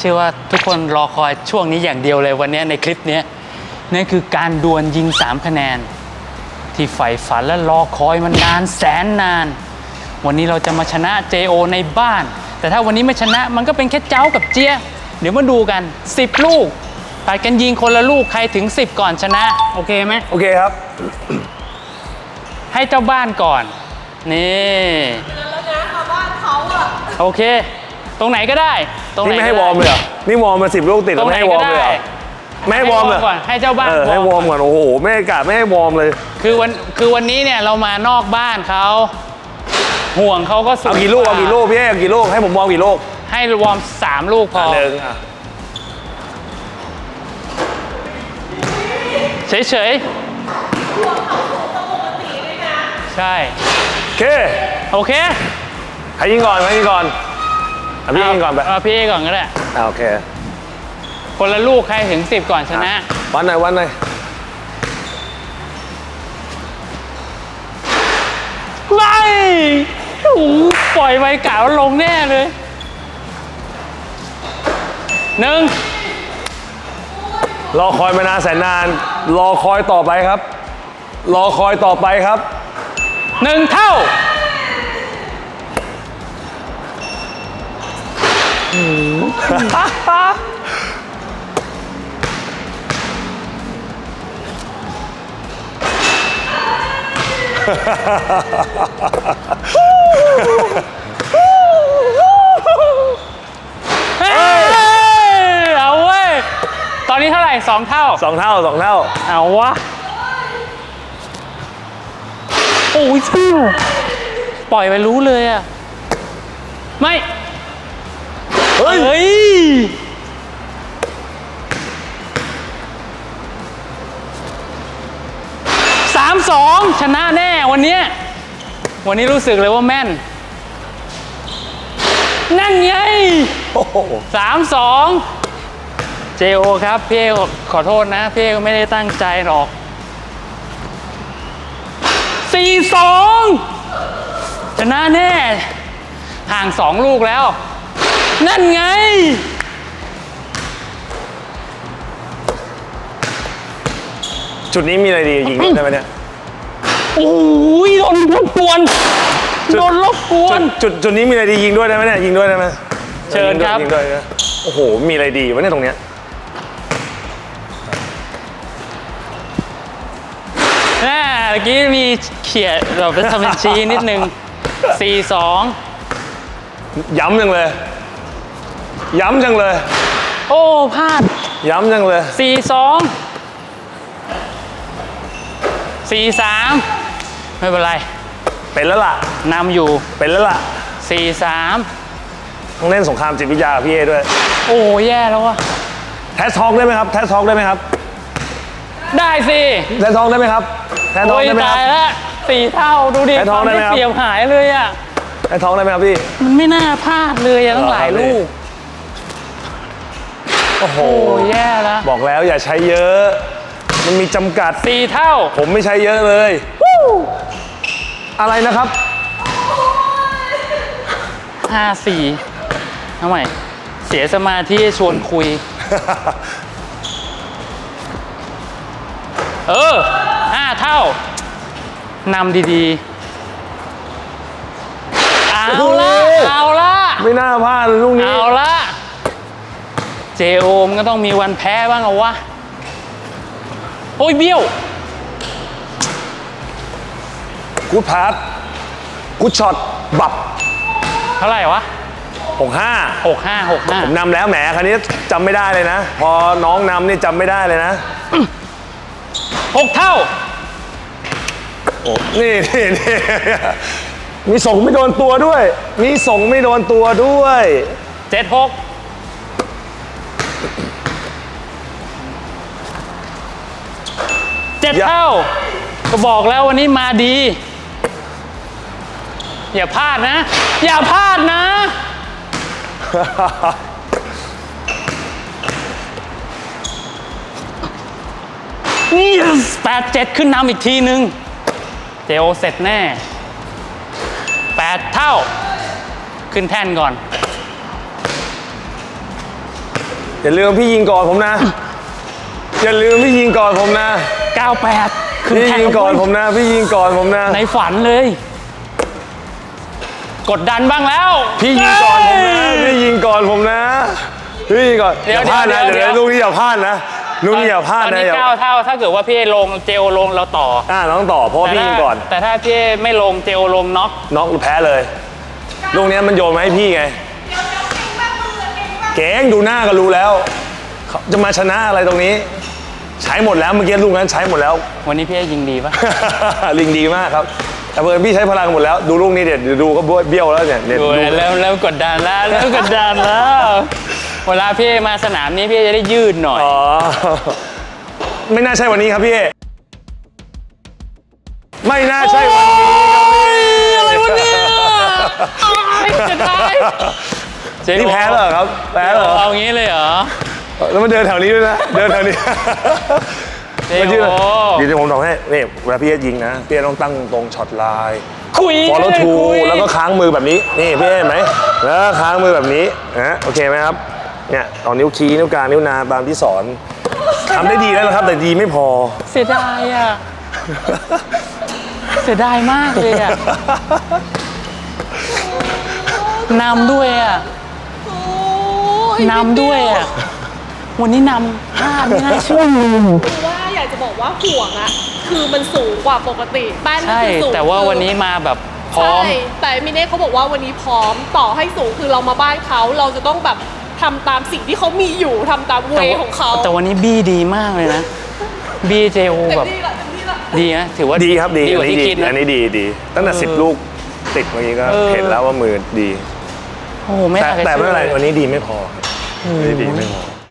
ชื่อว่าทุกคนรอคอยช่วงนี้อย่างเดียวเลยวันนี้ในคลิปนี้นั่นคือการดวลยิง3คะแนนที่ใฝ่ฝันและรอคอยมันนานแสนนานวันนี้เราจะมาชนะ JO ในบ้านแต่ถ้าวันนี้ไม่ชนะมันก็เป็นแค่เจ้ากับเจี๊ยเดี๋ยวมาดูกัน10ลูกไปกันยิงคนละลูกใครถึง10ก่อนชนะโอเคไหมโอเคครับให้เจ้าบ้านก่อนนี่แล้วนะชาวบ้านเขาอะโอเคตรงไหนก็ได้ตรงไหนนี่ไม่ให้วอร์มเลยเหรอนี่วอร์มมา10 ลูกติดแล้วไม่ให้วอร์มเลยเหรอไม่ให้วอร์มเลยให้เจ้าบ้านให้วอร์มก่อนโอ้โหไม่ให้กาดไม่ให้วอร์มเลยคือวันนี้เนี่ยเรามานอกบ้านเขาห่วงเขาก็สูงเอากี่ลูกพี่เอากี่ลูกให้ผมวอร์มกี่ลูกให้วอร์ม3ลูกพอเฉยใช่โอเคใครยิงก่อนพี่ยิงก่อนไปพี่ก่อนก็ได้โอเคคนละลูกใครถึง10ก่อนชนะวันไหนไม่ปล่อยไปกะว่าลงแน่เลย1 รอคอยมานานแสนนานรอคอยต่อไปครับรอคอยต่อไปครับ 1เท่าเอาเว้ยตอนนี้เท่าไหร่2เท่าเอาวะโอ้ยปล่อยไปรู้เลยอะไม่เฮ้ย3-2ชนะแน่วันนี้รู้สึกเลยว่าแม่นนั่นไง3-2 JO ครับพี่ขอโทษนะพี่ก็ไม่ได้ตั้งใจหรอก4-2ชนะแน่ห่าง2ลูกแล้วนั่นไงจุดนี้มีอะไรดียิงได้ไหมเนี่ยโอ้ยโดนรบกวนจุดนี้มีอะไรดียิงด้วยได้ไหมเนี่ยยิงด้วยได้ไหมเชิญครับยิงด้วยโอ้โหมีอะไรดีวะเนี่ยตรงเนี้ยเมื่อกี้มีเขียนเราไปทำเป็นชี้นิดนึง4-2 ย้ำจังเลยโอ้พลาดย้ำจังเลย 4-3ไม่เป็นไรเป็นแล้วล่ะนำอยู่เป็นแล้วล่ะ 4-3 ต้องเล่นสงครามจิตวิทยาพี่เอด้วยโอ้แย่แล้ววะแทสทอกได้ไหมครับได้สิแทสทอกได้ไหมครับแทสทอกได้ไหมครับตายแล้ว4เท่าดูดิความได้เปรียบหายเลยอะแทสทอกได้ไหมครับพี่มันไม่น่าพลาดเลยอะตั้งหลายลูกโอ้โหแย่แล้วบอกแล้วอย่าใช้เยอะมันมีจำกัด 4เท่าผมไม่ใช้เยอะเลยอะไรนะครับ 5-4ทำไมเสียสมาธิชวนคุย5เท่านำดีๆเอาละไม่น่าพลาดลูกนี้เอาละ JO มันก็ต้องมีวันแพ้บ้างเอาวะโอ้ยเบี้ยวกูพาสกูช็อตบับเท่าไหร่วะ 65ผมนำแล้วแหมคราวนี้จำไม่ได้เลยนะพอน้องนำนี่จำไม่ได้เลยนะ 6เท่าโอ้นี่มีส่งไม่โดนตัวด้วย 7-6 7เท่าก็บอกแล้ววันนี้มาดีอย่าพลาดนะนี่8-7ขึ้นนำอีกทีนึงJOเสร็จแน่8เท่าขึ้นแท่นก่อนอย่าลืมพี่ยิงก่อนผมนะ อย่าลืมพี่ยิงก่อนผมนะ 98 พี่ยิงก่อนผมนะ พี่ยิงก่อนผมนะในฝันเลย กดดันบ้างแล้วพี่ยิงก่อนผมนะ พี่ยิงก่อนผมนะ พี่ยิงก่อนเดี๋อยวย่าพลาดนะเดี๋เดี๋ยยว วลูกนี้อย่าพลาดนะลูกนี้อย่าพลาดตอนนะนี้ 9 เท่าถ้าเกิดว่าพี่ลงเจลลงเราต่อน้องต่อเพราะว่าพี่ยิงก่อนแต่ถ้าพี่ไม่ลงเจลลงน็อกน็อกแพ้เลย ลูกนี้มันโยนมาให้พี่ไง เก่งดูหน้าก็รู้แล้วเขาจะมาชนะอะไรตรงนี้ ใช้หมดแล้วเมื่อกี้ลูกนั้นใช้หมดแล้ววันนี้พี่ยิงดีปะลิงดีมากครับ แต่เพื่อนพี่ใช้พลังหมดแล้ว ดูลูกนี้เด็ดดูก็เบี้ยวแล้วเนี่ยดูดูแล้วกดดันแล้วเริ่มกดดันแล้ว เวลาพี่มาสนามนี้พี่จะได้ยืดหน่อยอ๋อ ไม่น่าใช่วันนี้ครับพี่ ไม่น่าใช่วันนี้ครับพี่อะไรวะเนี่ยจะได้นี่แพ้แล้วเหรอครับ แพ้แล้วเหรอเอางี้เลยเหรอแล้วมันเดินแถวนี้ด้วยนะ เดินแถวนี้เดี๋ยวมันชื่อเดี๋ยวผมบอกให้นี่เวลาพี่ยิงนะพี่ต้องตั้งตรงช็อตไลน์คุย follow คุ through ยแล้วก็ค้างมือแบบนี้ นี่พี่เห็นไหมแล้วก็ค้างมือแบบนี้นะโอเคไหมครับ เนี่ยเอานิ้วชี้นิ้วกลางนิ้วนางตามที่สอนทำได้ดีแล้วนะครับ แต่ดีไม่พอเสียดายอ่ะ เสียดายมากเลยอ่ะ นำด้วยอ่ะโอ้ยนำด้วยอ่ะ วันนี้นำ5ไม่น่าเชื่อคือว่าอยากจะบอกว่าห่วงอะคือมันสูงกว่าปกติแป้นก็ใช่คือสูงแต่ว่าวันนี้มาแบบพร้อมใช่แต่มิเน่เขาบอกว่าวันนี้พร้อมต่อให้สูงคือเรามาบ้านเขาเราจะต้องแบบทำตามสิ่งที่เขามีอยู่ทำตามเวของเขาแต่วันนี้บี้ดีมากเลยนะ บี้เจโอเต็มแบบที่ละเต็มที่ละดีนะถือว่าดีครับดีกว่าที่คิดนะอันนี้ดีตั้งแต่10 ลูกติดเมื่อกี้ก็เออเห็นแล้วว่ามือดีโอ้โหไม่แต่น่าจะแต่ไม่เป็นไรชื่อวันนี้ดีไม่พอวันนี้ดีไม่พอ